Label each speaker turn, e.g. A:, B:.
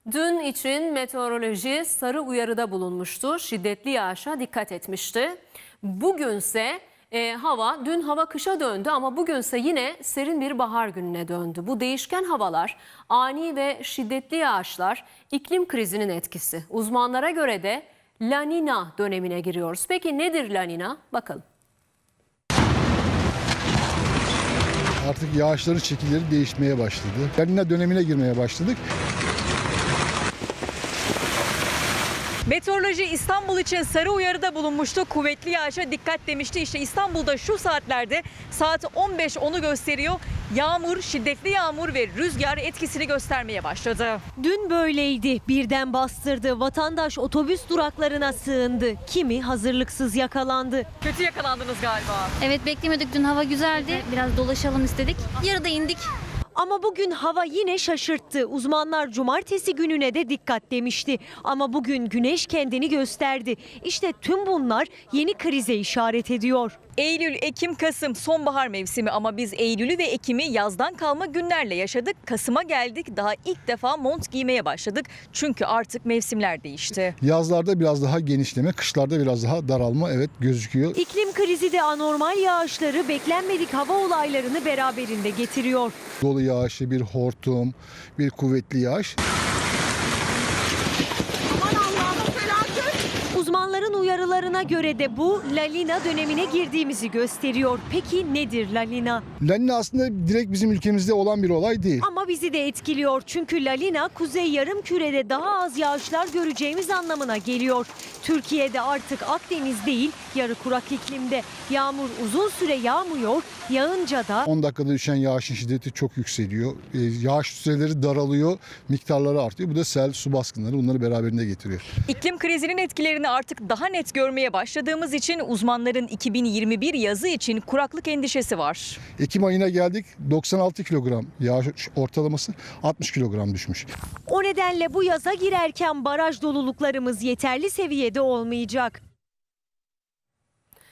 A: Dün için meteoroloji sarı uyarıda bulunmuştu. Şiddetli yağışa dikkat etmişti. Bugünse dün hava kışa döndü ama bugünse yine serin bir bahar gününe döndü. Bu değişken havalar, ani ve şiddetli yağışlar iklim krizinin etkisi. Uzmanlara göre de La Nina dönemine giriyoruz. Peki nedir La Nina? Bakalım.
B: Artık yağışların şekilleri değişmeye başladı. La Nina dönemine girmeye başladık.
C: Meteoroloji İstanbul için sarı uyarıda bulunmuştu. Kuvvetli yağışa dikkat demişti. İşte İstanbul'da şu saatlerde saat 15:10'u gösteriyor. Yağmur, şiddetli yağmur ve rüzgar etkisini göstermeye başladı.
D: Dün böyleydi. Birden bastırdı. Vatandaş otobüs duraklarına sığındı. Kimi hazırlıksız yakalandı.
C: Kötü yakalandınız galiba.
E: Evet, beklemedik, dün hava güzeldi. Biraz dolaşalım istedik. Yarıda indik.
D: Ama bugün hava yine şaşırttı. Uzmanlar cumartesi gününe de dikkat demişti. Ama bugün güneş kendini gösterdi. İşte tüm bunlar yeni krize işaret ediyor.
C: Eylül, Ekim, Kasım sonbahar mevsimi ama biz Eylül'ü ve Ekim'i yazdan kalma günlerle yaşadık. Kasım'a geldik, daha ilk defa mont giymeye başladık. Çünkü artık mevsimler değişti.
B: Yazlarda biraz daha genişleme, kışlarda biraz daha daralma gözüküyor.
D: İklim krizi de anormal yağışları, beklenmedik hava olaylarını beraberinde getiriyor.
B: Dolu yağışı, bir hortum, bir kuvvetli yağış.
D: Uzmanların uyarılarına göre de bu La Nina dönemine girdiğimizi gösteriyor. Peki nedir La Nina?
B: La Nina aslında direkt bizim ülkemizde olan bir olay değil.
D: Ama bizi de etkiliyor. Çünkü La Nina kuzey yarımkürede daha az yağışlar göreceğimiz anlamına geliyor. Türkiye'de artık Akdeniz değil, yarı kurak iklimde. Yağmur uzun süre yağmıyor, yağınca da
B: 10 dakikada düşen yağışın şiddeti çok yükseliyor. Yağış süreleri daralıyor, miktarları artıyor. Bu da sel, su baskınları bunları beraberinde getiriyor.
C: İklim krizinin etkilerini artık daha net görmeye başladığımız için uzmanların 2021 yazı için kuraklık endişesi var.
B: Ekim ayına geldik, 96 kilogram yağış ortalaması 60 kilogram düşmüş.
D: o nedenle bu yaza girerken baraj doluluklarımız yeterli seviyede olmayacak.